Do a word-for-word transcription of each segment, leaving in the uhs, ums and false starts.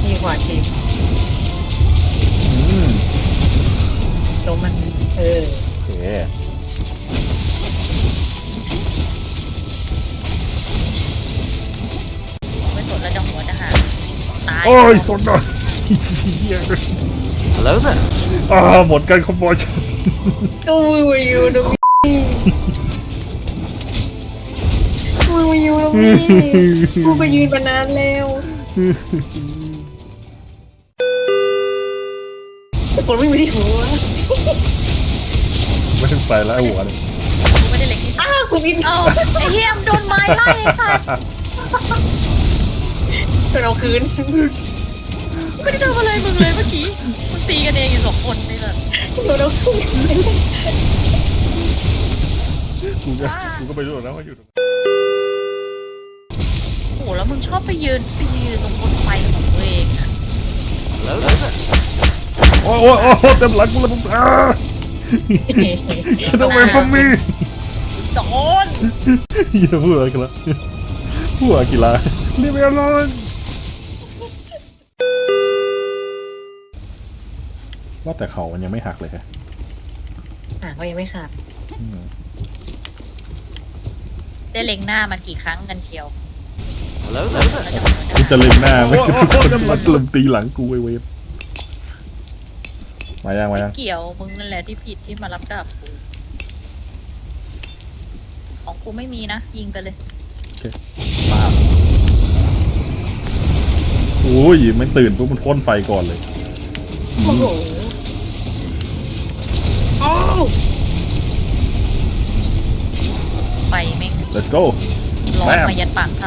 มีขวาทีมอืมลงมันเออโอเคไม่สนแล้วจะหัวจะหาตายโอ้ยสนหน่อยเหี้ย Hello there. อ่าหมดกันคอมบอยกูอยู่ตรงนี้กูอยู่ตรงนี้กูไปยืนมานานแล้วคนไม่มีที่หัวไม่ต้องไปแล้วไอ้หัวเลยกูไม่ได้เล็กที่อ้าวกูบินเอ้าไอ้เฮียมโดนไม้ไล่ค่ะเราคืนไม่ได้ทำอะไรมึงเลยเมื่อกี้มึงตีกันเองอยู่สองคนนี่แหละเราคืนกูก็กูก็ไปรู้แล้วว่าอยู่ตรงโอ้โหแล้วมึงชอบไปยืนไปยืนตรงบนไฟของตัวเองอะ Hello there. โอ้ยโอ้ยโอ้ยเต็มหลังกูเลยมึงอ่าทำไมฟอมมี่สอนอย่าพูดอะไรกันละพูดอะไรกีฬาเรียบร้อยว่าแต่เขามันยังไม่หักเลยฮะอ่ะเขายังไม่ขาดอืมได้เล็งหน้ามันกี่ครั้งกันเชียว Hello there. แล้วจะหัวจะกูจะเล็งหน้าไม่ทุกคนมันลมตีหลังกูไอ้เวฟมายังมายังเกี่ยวมึงนั่นแหละที่ผิดที่มารับดาบกูของกูไม่มีนะยิงไปเลยมาโอ้ยมันตื่นปุ๊บมันพ่นไฟก่อนเลยโอ้โหโอ้ไฟแม่ง let's go ร้อนมายันปากถ้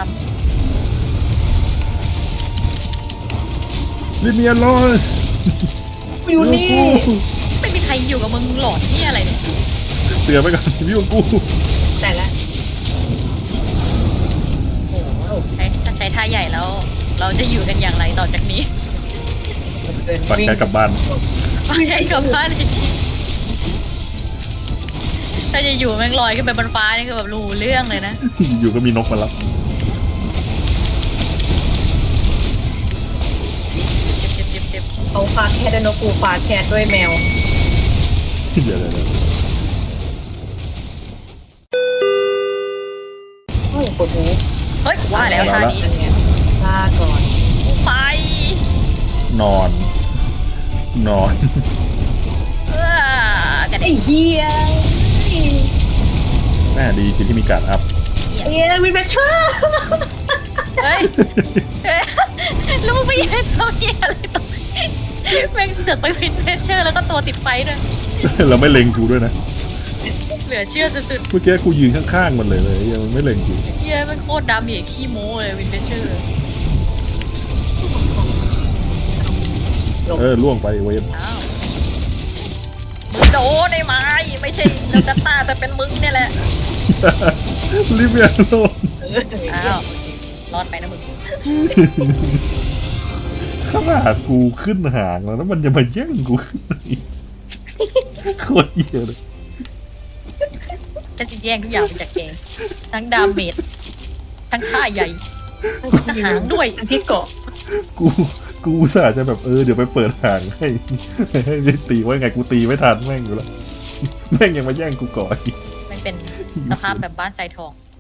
ลิเมียลอยอยู่นี่ำไม่มีใครอยู่กับมึงหลอนที่อะไรเนี่ยเตือนไปก่อนพี่ของกูแต่ละโอ้โหใช้ถ้าใช้ท่าใหญ่แล้ว เราจะอยู่กันอย่างไรต่อจากนี้เดินปัดวิ่งแกกลับบ้านฟังใหญ่กลับบ้านดิถ้าจะอยู่แม่งลอยขึ้นไปบนฟ้านี่คือแบบรู้เรื่องเลยนะอยู่ก็มีนกมารับเจ็บเจ็บเจ็บเจ็บเขาฟาดแคทด้วยนกกูฟาดแคทด้วยแมวเดี๋ยวเดี๋ยวเดี๋ยวโอ้ยปวดหูเฮ้ยว่าแล้วท่านี้อันเนี้ยลาก่อนไปนอน นอนเออกระไอ้เด็นเหี้ยแม่ดีที่มีการอัพเอ้ยวินเบเชอร์เฮ้ยเฮ้ยแล้วมึงไม่ยันเขาเหี้ยอะไรตรงนี้แม่งเสือกไปฟินเพชเชอร์แล้วก็ตัวติดไฟด้วยเราไม่เล็งกูด้วยนะเหลือเชื่อสุดเมื่อกี้กูยืนข้างๆมันเลยเลยยังไม่เล็งกูๆเหี้ยมันโคตรดำเหยขี้โม้เลยวินเพชเชอร์เออล่วงไปเวฟอ้าวมึงโดนได้ไหมไม่ใช่เราจะตาแต่เป็นมึงเนี่ยแหละลิเมียโลนอ้าวรอดไปนะมึงขนาดกูขึ้นหางแล้วแล้วมันจะมาแย่งกูขึ้นอีกโคตรเหี้ยเลยจะแย่งทุกอย่างไปจากแกทั้งดาเมจทั้งค่าใหญ่หางด้วยทั้งที่เกาะกูกูอุตส่าห์จะแบบเออเดี๋ยวไปเปิดหางให้ให้ได้ตีไว้ไงกูตีไม่ทันแม่งอยู่แล้วแม่งยังมาแย่งกูก่อนอีกมันเป็นสภาพแบบบ้านทรายทอง